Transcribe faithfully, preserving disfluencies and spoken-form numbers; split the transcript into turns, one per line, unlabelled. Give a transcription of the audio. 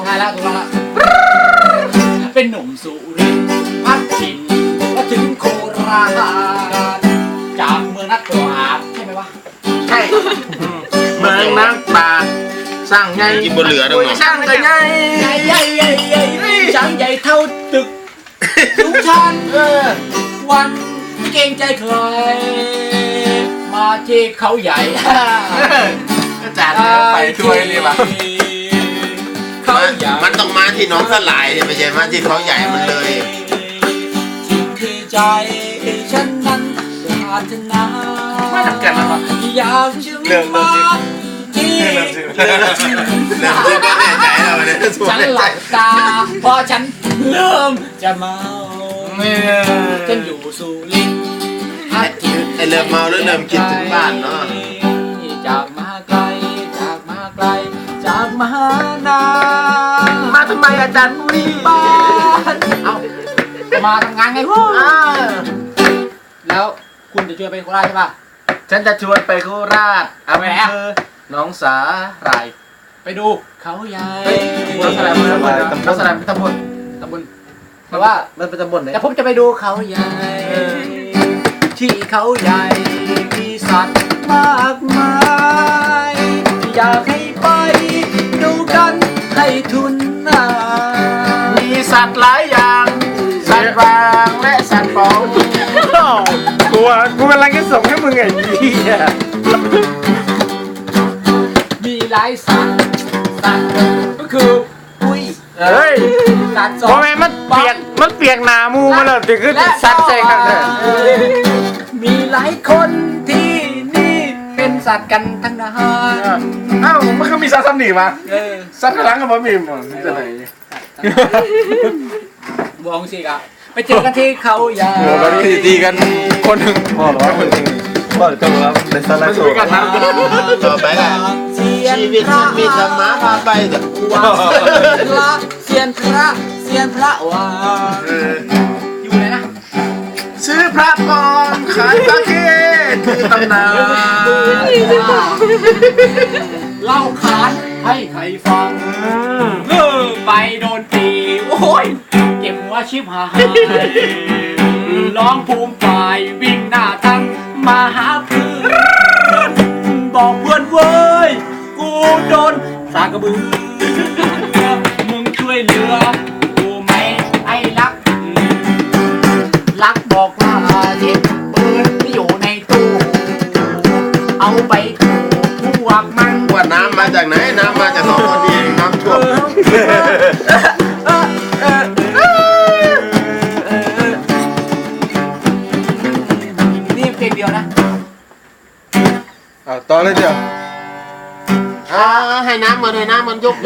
ใช่แล้วถูกแล้วเป็นหนุ่มสุรินทร์พัดถิ่นก็ถึงโคราชจากเมืองนักปราชญ์ใช่ไหมวะ
ใช่เมืองนักปราชญ์สร้างใหญ่
กินบนเหลือดังหนอ
สร้างใหญ่ใหญ่
ใหญ่ใหญ่ใหญ่ใหญ่ช่างใหญ่เท่าตึกทุกชั้นวันเก่งใจใครมาที่เขาใหญ่
ก็จัดไปช่วยเลยว่ะ
เขาใหญ่
มันต้องมาที่น้องสลายเนี่ยไม่ใช่มาที่เขาใหญ่มันเลย
ที่คือใจฉันนั้นปรารถนา
ไม่ทำกันแล้ว
อยากจึงมาที่เริ่มชื่อ
เริ่มชื่อก็แน่ใจแล้วเนี่ย
ฉันหลับตาเพราะฉันเริ่มจะเมาฉันอยู่สุรินทร์
ไอเริ่มเมาแล้วเริ่มคิดถึงบ้านเนาะ
จากมาไกลจากมาไกลจากมหานา
มาทำไมอาจารย์ปุ้ย
บ้านเอามาทำงานไงวะแล้วคุณจะชวนไปโคราชใช่ป่ะ
ฉันจะชวนไปโคราชอำเภอหนองสาหร่าย
ไปดูเขาใหญ่
หนองสาหร่ายเป็นตำบลหนองสาหร่ายเป็นตำบล
ตำบลแต่ว่า
มันเป็นตำบลไหน
แต่ผมจะไปดูเขาใหญ่ที่เขาใหญ่มีสัตว์มากมายอยากให้ไปดูกันให้ทุนนา
มีสัตว์หลายอย่างสัตว์บางและสัตว์ปองกูว่ากูกำลังจะส่งให้มึงไอ้พี่
มีหลายสัตว์สัตว์ก็คืออุ้ย
เฮ้ย
สัตว์สอง
เพราะแม่มันเปียกมันเปียกหนามูมาเลยถึงขึ้นสัตว์ใส่กันเลย
มีหลายคนที่นี่เป็นสัตว์กันทั้งนั้น
อ้าวมันก็มีสัตว์ซ้ำหนีมาสัตว์กระลังกับมันมีมั้งจะไหน
บองสิครับไปเจอกันที่เขาใหญ่
ตีตีกันคนหนึ่งพอหรอคนหนึ่งบ่อยจังแล้วในสไลด์โซ่กันนะ
ต่อไปแหละชีวิตฉันมีธรรมะพาไปแต่
วางพระเซียนพระเซียนพระวางอยู่ไหนนะ
ซื้อพระปลอมขายตะเคียนคือตำนาน
เล่าขานให้ใครฟังเออไปโดนตีโอ้ยเก็บหัวชิบหายร้องภูมิฝ่ายวิ่งหน้าตั้งมาหาเพื่อนบอกเพื่อนเว้ยกูโดนสากกระบือมึงช่วยเหลือกูไหมไอ้รักรักบอกว่าเจ็บปืนที่อยู่ในตู้เอาไปถูพวกมัน
ว่าน้ำมาจากไหนน้ำมาจากสองคนนี้น้ำท่วม
นี่เพลงเดียวนะ
อ่าต่อเลยเดี๋ยว
อ่าให้น้ำมันให้น้ำมันยก